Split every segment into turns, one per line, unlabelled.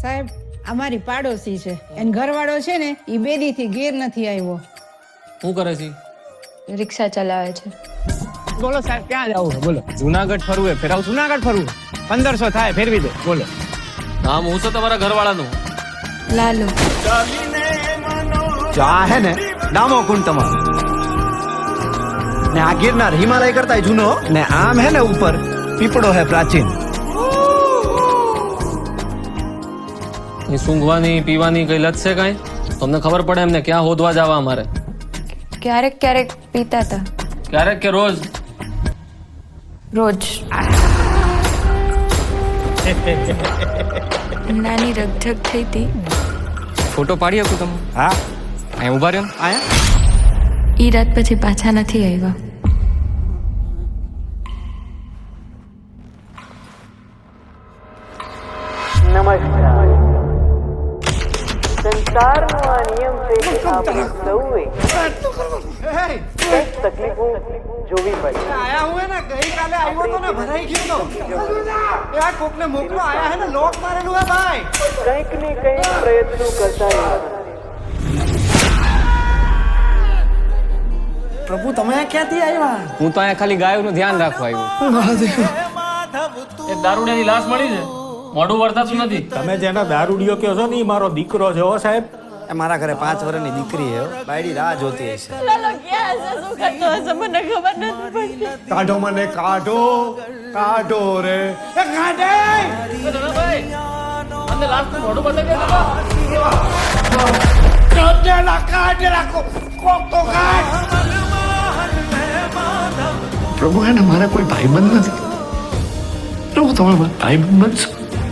સાહેબ અમારી પાડોશી છે એન ઘરવાળો છે ને ઈ બેદીથી ઘેર નથી આવ્યો.
શું કરે છે?
રિક્ષા ચલાવે છે.
બોલો સાહેબ ક્યાં જવું બોલો? જુનાગઢ ફરવું હે ફેરાવ. જુનાગઢ ફરવું 1500 થાય ફેરવી દો બોલો.
નામ હું છે તમારા ઘરવાળાનું?
લાલુ.
જો આ હે ને ડામો કુંડ તમારો ને આ ગિરનાર હિમાલય કરતા જૂનો ને આમ હે ને ઉપર પીપળો હે પ્રાચીન.
એ સૂંઘવાની પીવાની કઈ લત છે કાંઈ? તમને ખબર પડે એમને ક્યાં હોદવા જવા અમારે?
ક્યારેક ક્યારેક પીતા હતા.
ક્યારેક કે રોજ?
રોજ. નાની રગઝગ થઈ હતી.
ફોટો પાડી શકું તમે?
હા
અહીં ઉભા રહ્યો ને.
આયા
ઈ રાત પછી પાછા નથી આવ્યા.
નમસ્કાર. સંસારનો આ નિયમ છે કે આપણે સૌએ કંઈક તકલીફો જોવી પડે.
આયા હું હે ને ગઈકાલે આવ્યો તો ને ભરાઈ ગયો તો. એ આ કોકને મોકલો આયા હે ને લોક મારેલું હે ભાઈ.
કંઈક ને કંઈક પ્રયત્નો કરતા રહેવાના.
પ્રભુ તમે ક્યાંથી આવ્યા?
હું તો અહીંયા ખાલી ગાયોનું ધ્યાન રાખવા આવ્યો.
એક દારૂડિયાની લાશ મળી છે, મોઢું વર્તાતું નથી.
તમે જેનો દારૂડિયો કહો છો ને ઈ મારો દીકરો છે હો સાહેબ.
એ મારા ઘરે 5 વર્ષની દીકરી હે. બાયડી રાહ જોતી હશે. કાઢો મને કાઢો કાઢો રે એ કાઢે.
તમને લાશ મોઢું બતાવી દે.
કાઢેલા કાઢેલા કોક તો કાઢ.
પ્રભુ એને મારા કોઈ ભાઈબંધ નથી. પ્રભુ તમે મારા ભાઈબંધ બનશો.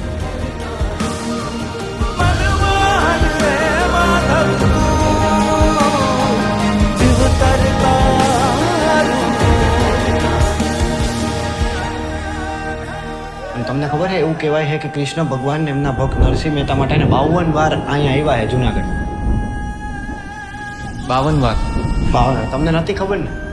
તમને ખબર છે એવું કહેવાય છે કે કૃષ્ણ ભગવાન એમના ભક્ત નરસિંહ મહેતા માટે 52 વાર અહીંયા આવ્યા છે જુનાગઢ.
52 વાર?
52 તમને નથી ખબર ને?